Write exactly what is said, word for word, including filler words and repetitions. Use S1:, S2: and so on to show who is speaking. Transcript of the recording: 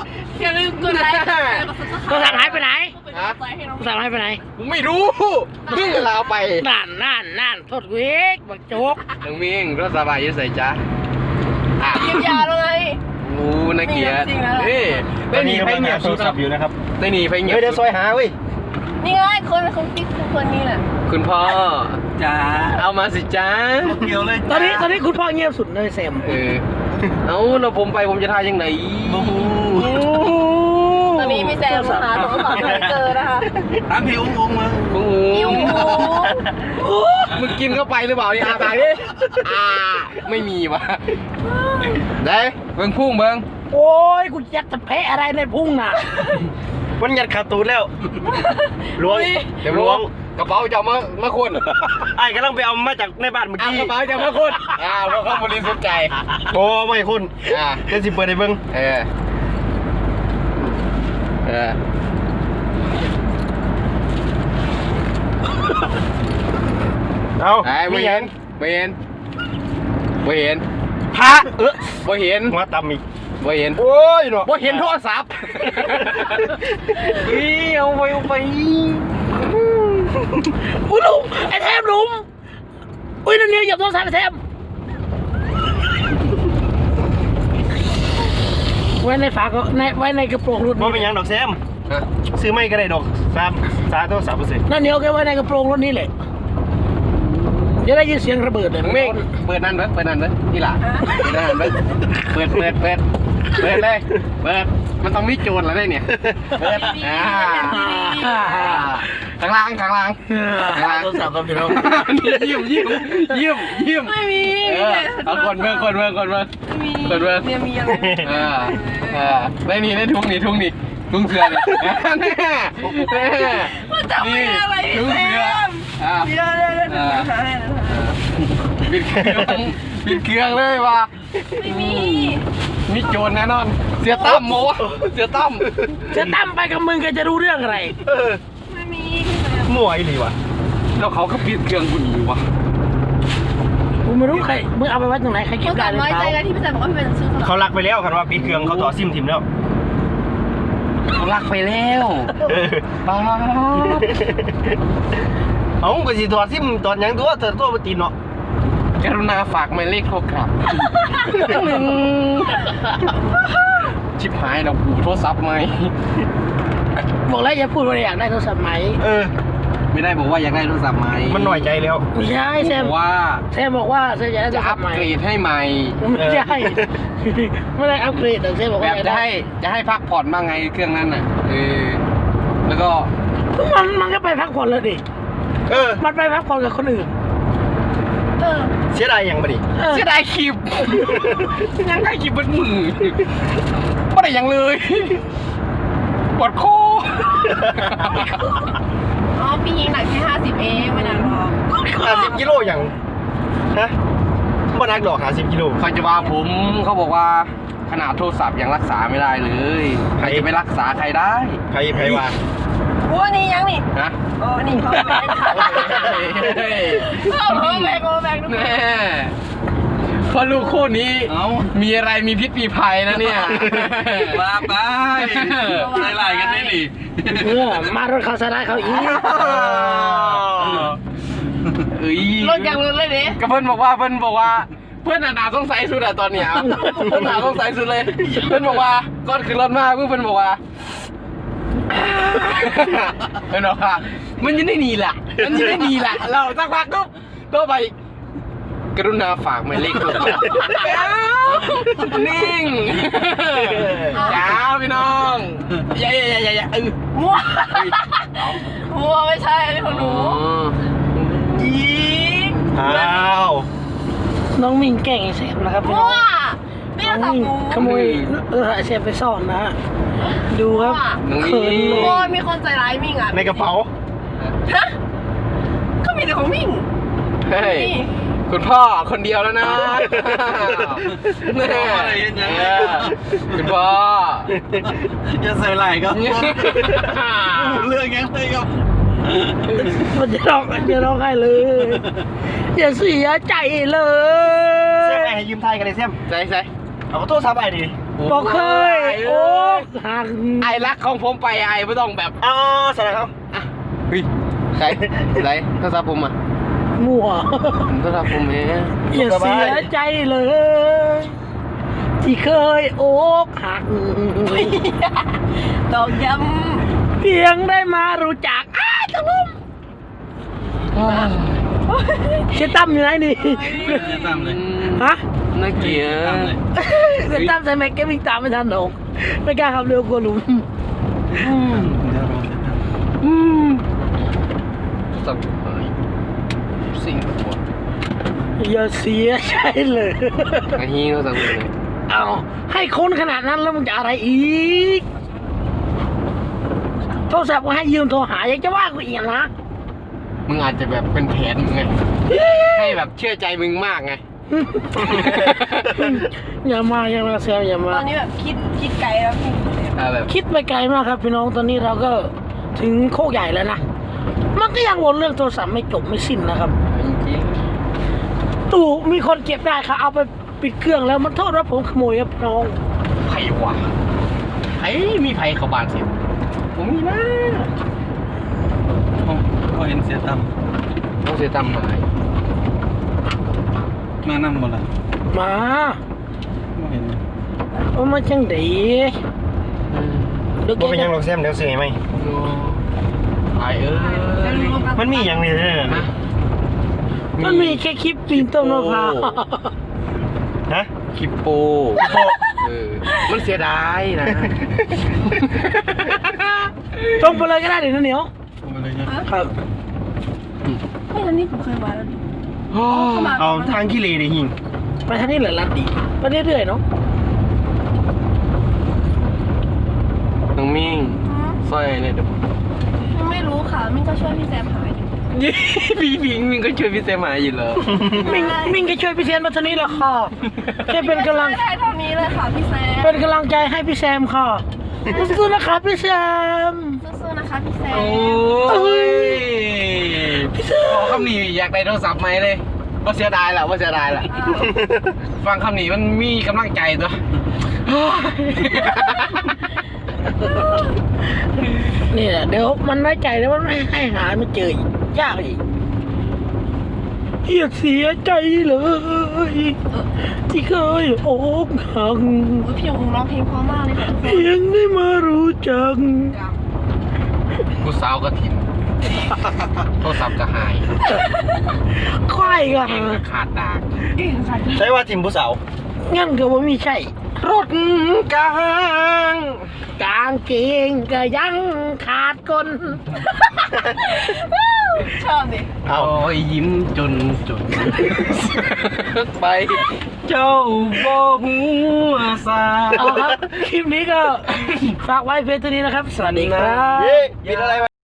S1: อย่าลืมกดไลค์โทรศัพท์หายไปไหนโทรศัพท์หายไปไหน
S2: ไม่รู้เพิ่งลาไป
S1: นั่นนั่นนั่นโทษเวกบักโจ๊ก
S2: น้องมิงรถสบายยังใส่จ้า
S3: อ่ะยิ้มยาเลย
S2: โอ้นักเกียรตินี่ได้หนีไปเงียบสุด
S4: อยู่นะครับ
S2: ได้หนีไปเงียบ
S4: เดี๋ยวซอยหาเว้ย
S3: นี่ไงคนคนติ๊กคนนี้แหละ
S2: คุณพ่อ
S4: จ้า
S2: เอามาสิจ้า
S4: เกี่ยวเลย
S1: ตอนนี้ตอนนี้คุณพ่อเงียบสุดเลยแซม
S2: เออเอาเราผมไปผมจะทายยังไง
S3: ตอนนี้พี่แซมหาโทรศัพท์ไม่เจอนะคะ
S4: ตามพี่อุ้งอุ้งมา
S2: อุ้งมึงกินเข้าไปหรือเปล่านี่อาตายดิอ่าไม่มีวะได้เบิ้งพุ่งเบิ้ง
S1: โอ้ยกูยัดจะแพ้อะไรในพุ่งน่ะ
S4: มันยัดขาตูนแล้วล้วง
S2: เดี๋ยวล้วงกระเป๋าจะมามาคน
S4: ไอ้กำลังไปเอามาจากในบ้านเมื่อกี้
S2: กระเป๋าจะมาคนอ้าวเพราะเขาบริสุทธิ์ใจ
S4: โอ้ไม่คุณอ่าเดี๋ยวสิเปิดให้เบิ้ง
S2: เออเออ
S4: เอา
S2: ไม่เห็นไม่เห็นไม่เห็น
S4: พระเออ
S2: ไม่เห็น
S4: มาตำอีก
S2: ไม่เห็น
S4: โอ้ยเนาะ
S2: ไม่เห็นโทรศัพท์อีเอาไปเอาไป
S1: อุ้ยลุงไอ้แทมลุงอุ้ยนั่นเนี่ยหยับโทรศัพท์ไอ้แทมไว้ในฝาก็ในไว้ในกระโปรงรถ
S4: ว่าเป็นยังดอกแซมซื้อไม่ก็ได้ดอกสามสามโทรศัพท์เปอร์เซ็นต์
S1: นั่นเหนียวแกไว้ในกระโปรงรถนี่แหละจะได้ยินเสียงระเบิดเลย
S2: เมฆเปิดนั่นเบิ้งเปิดนั่นเบิ้งนี่ล่ะเปิดนั่นเบิ้งเปิดเปิดเปิดเปิดเลยเปิดมันต้องมีโจรแล้วเนี่ยเปิดอ่าข้างล่างข้างล่างข้างล่าง
S1: โทรศัพท์กับพี่น้อง
S2: ยิ้มยิ้มยิ้มยิ้ม
S3: ไม่มี
S2: เอาคนเมืองคนเมืองคนเมืองคนเมือง
S3: เนี่ยมีอะไร
S2: อ่าอ่าได้นี่ได้ทุ่งนี่ทุ่งนี่ทุ่งเสือเนี่ยแน่แน่
S3: มันจะมีอะไร
S2: ทุ่งเสืออ่า
S3: มีอะไรอ่า
S2: ปิดเครื่องปิดเครื่องเลยว่ะ
S3: ไม่มี
S2: มีโจรแน่นอนเสียตั้มโมเสียตั้ม
S1: เสียตั้มไปกับมึงแกจะรู้เรื่องอะไร
S3: ไม่มี
S4: มั่วอีหลีวะ
S2: แล้วเขาก็ปิดเครื่องกูหนีวะ
S1: กูไม่รู้ใครมึงเอาไปไว้ตรงไหนใครเก็บได้หรือเปล่า
S3: ที่พี่แซมบอกว่าเป็นซื้อ
S4: เขาลักไปแล้วคันว่าปิดเครื่องเขาต่อซิมทิมแล้ว
S2: เขาลักไปแล้วป้า
S4: เอาก็สิถอดซิมตอนยังตัวเธอตัวปตีนเนาะ
S2: กรุณาฝากหมายเลขโทรกลับชิบหายเราหูโทรศัพท์ไหม
S1: บอกแล้วอย่าพูดว่าอยากได้โทรศัพท์ไหม
S4: เออ
S2: ไม่ได้บอกว่าอยากได้โทรศัพท์ไหม
S4: มันหน่อยใจแล้ว
S1: ไม่ใช่แซม
S2: ว่า
S1: แซมบอกว่าแซมอยากได้โทรศัพท์ใหม่
S2: จะอัปเกรดให้ใหม่
S1: ไม่ใช่ไม่ได้อัปเกรดแต่แซมบอกว่า
S2: จะให้จะให้พักผ่อนบ้างไงเครื่องนั้นน่ะเออแล้วก็
S1: มันมันก็ไปพักผ่อนเลยดิ
S4: เออ
S1: มันไปพักผ่อนกับคนอื่น
S4: เสียดายยังบ่ดิ
S2: เสียดายคลิปยังได้คลิปเป็นมือไม่ได้ยังเลยปวดคอ
S3: อ๋อพี่ยิงหนักแค่ห้าสิบเองไม่นานหรอก
S4: ห้าสิบกิโลอย่างฮะบ่นักดอกห้าสิบกิโล
S2: ใครจะว่าผมเขาบอกว่าขนาดโทรศัพท์ยังรักษาไม่ได้เลยใครจะไปรักษาใครได้
S4: ใครใครว่า
S3: โอ้นี่ยังนี่
S2: นะ
S3: โอ้นี่เขาแบกเขาแบกเขาแบกทุกคน
S2: พอลูกคู่นี้มีอะไรมีพิษมีภัยนะเนี่ยมาไปไล่ไล่กันได้ดิ
S1: เออมารถเขาสลายเขาอีก
S2: เอ้ย
S3: รถยังรถเลยดิ
S2: ก็เพื่อนบอกว่าเพื่อนบอกว่าเพื่อนหนาสงสัยสุดอะตอนเนี้ยเพื่อนหนาสงสัยสุดเลยเพื่อนบอกว่าก่อนขึ้นรถมาเพื่อนบอกว่าเพื่อนบอกว่ามันยังได้หนีแหละมันยังได้หนีแหละเราสักพักก็ตัวไปกรุณาฝากหมายเลขโทรศัพท์นิ่งจ้าพี่น้องอย่าอย่าอย่าอย่าเออ
S3: มั่วมั่วไม่ใช่อันนี้ของหนู
S4: ยิงอ้าว
S1: น้องมิงแก่งไอ้แซมนะครับ
S3: มั่วนี่เราสั่งหมู
S1: ขโมยเออไอ้แซมไปซ่อนนะดูครับ
S3: เขินโอ้ยมีคนใจร้ายมิงอ่ะ
S4: ในกระเป๋า
S3: ฮะก็มีแต่ของมิง
S2: เฮ้ยคุณพ่อคนเดียวแล้วนะแม่คุณพ่อ
S4: จะใส่ไหล่ครับเรื่องยังไงครับ
S1: มันจะร้องจะร้องไห้เลยอย่าเสียใจเลย
S4: เสียมไงให้ยืมไทยกันเลยเสียม
S2: ใส่ใส่
S4: เอาโทรศัพท์ไปดิ
S1: บอกเคยโอ้หัก
S2: ไอ้รักของผมไปไอ้ไม่ต้องแบบ
S4: อ๋อสวัสดีครับ
S2: อ่ะเฮ้ยใครไหนโทรศัพท์ผมอ่ะ
S1: มั่ว
S2: ผมโทรศัพท์ผมเอง
S1: อย่าเสียใจเลย ที่เคยโอกหัก
S3: ตอกย้
S1: เพียงได้มารู้จักอ้าตะลุ่มเชยตั้มอยู่ไหนนี่
S4: เสียตามเลย
S1: ฮะ
S2: น่าเกลียด
S4: ตามเลย
S1: เชยตั้มใส่แม็กแกวิ่งตามไม่ทันหรอกไม่กล้าขับเร็วกลัวหลุม
S4: เดี๋ยวรอเสียตาม
S1: อืม
S2: สับหายสิ่งหัว
S1: อย่าเสียใจเลย
S2: ไอ้ฮีโทรศัพท์ผมเลย
S1: เอาให้คนขนาดนั้นแล้วมึงจะอะไรอีกโทรศัพท์ก็ให้ยืมโทรหายังจะว่ากูอีกนะ
S2: มึงอาจจะแบบเป็นแผนมึงไงให้แบบเชื่อใจมึงมากไง
S1: อย่ามาอย่ามาแซวอย่า
S3: ำ
S1: มา
S3: ตอนนี้แบบคิดคิดไกลแล้วพี่
S2: อ่าแบบ
S1: คิดไปไกลมากครับพี่น้องตอนนี้เราก็ถึงโคกใหญ่แล้วนะมันก็ยังวนเรื่องโทรศัพท์ไม่จบไม่สิ้นนะครับ
S2: จริง
S1: ตู่มีคนเก็บได้ครับเอาไปปิดเครื่องแล้วมันโทษว่าผมขโมยครับพี่น้อง
S2: ๆไผ่วะไผ่มีไผ่เข้าบ้านสิผมมีนะ
S4: ผมก็เห็นเสียตาม
S2: ต้องเสียตามหาย
S4: มานั่งหมดละ
S1: มา
S4: ไม่เห็น
S1: เอามาจังดีเดี๋ยว
S5: บ่เป็นหยังหร
S1: แก
S5: อกแซมเดี๋ยวซื้อให้ไหม
S2: ไอ้เอ้ย
S5: มันมีอย่างนี้ด้วย
S2: นะ
S5: นะ
S1: มันมีแค่คลิปปีนต้นมะพร้าว
S5: ฮะ
S2: คลิปโปเออมันเสียดายนะ
S1: ตรงไปเลยก็ได้เดี๋ยวนะเหนียว
S4: ผมมาเลยเนี่ย
S1: ครับ
S3: ไม่ทันนี้ผมเคยมาแล้วดิ
S2: โอ้
S3: เข้ามา
S5: เอาทางขี้เลดิหิง
S1: ไปทางนี้เหลือลัดดีไปเรื่อยๆเนาะ
S2: น้องมิ่งสร้อยเนี่ยเดี๋ยว
S3: ยังไม่รู้ค่ะมิ้นก็ช่วยพี่แซมหาอยู่
S2: พี่พิงมิงก็ช่วยพี่เซมาอยู่เลย
S1: มิงมิงก็ช่วยพี่แซมมาทางนี้แหละค่ะแค่เป็นกำลัง
S3: ไม่ได้เท่านี้เลยค่ะพี่แซม
S1: เป็นกำลังใจให้พี่แซมค่ะสู้ๆนะครับพี่แซม
S3: สู้ๆนะคะพี่แซม
S2: โอ้ย
S1: พี่แซม
S2: พอคำนี้อยากได้โทรศัพท์ไหมเลยว่าเสียดายแหละว่าเสียดายแหละ
S3: อ้าว
S2: ฟังคำนี้มันมีกำลังใจตัว
S1: นี่แหละเดี๋ยวมันน้อยใจแล้วมันไม่ให้หาไม่เจออีกยากอีกอย่าเสียใจเลย ที่เคยอกหัก
S3: โอ้ยพี่ยงร้องเพลงเพราะมากเลยค่ะทุกคน
S1: เพียงได้มารู้จัก
S2: กูสาวก็ถิ่นโทรศัพท์ก็หาย
S1: ควายก็
S2: เก่ง
S1: หา
S2: ก็ขาดดาก
S3: เก่งค่ะ
S5: ใช้ว่าทีมผู้สาว
S1: งั้นก็ว่ามีใช่
S2: รถกลาง
S1: กางเกงก็ยังขาดกล
S3: ชอบดิ
S5: เอา
S2: โอ้ยยิ้มจนจนไป เจ้าบ่หัวซา
S1: เอาครับ คลิปนี้ก็ฝากไว้เพียงเท่านี้นะครับ สวัสดีครับ
S5: เย้ปิดอะไรวะ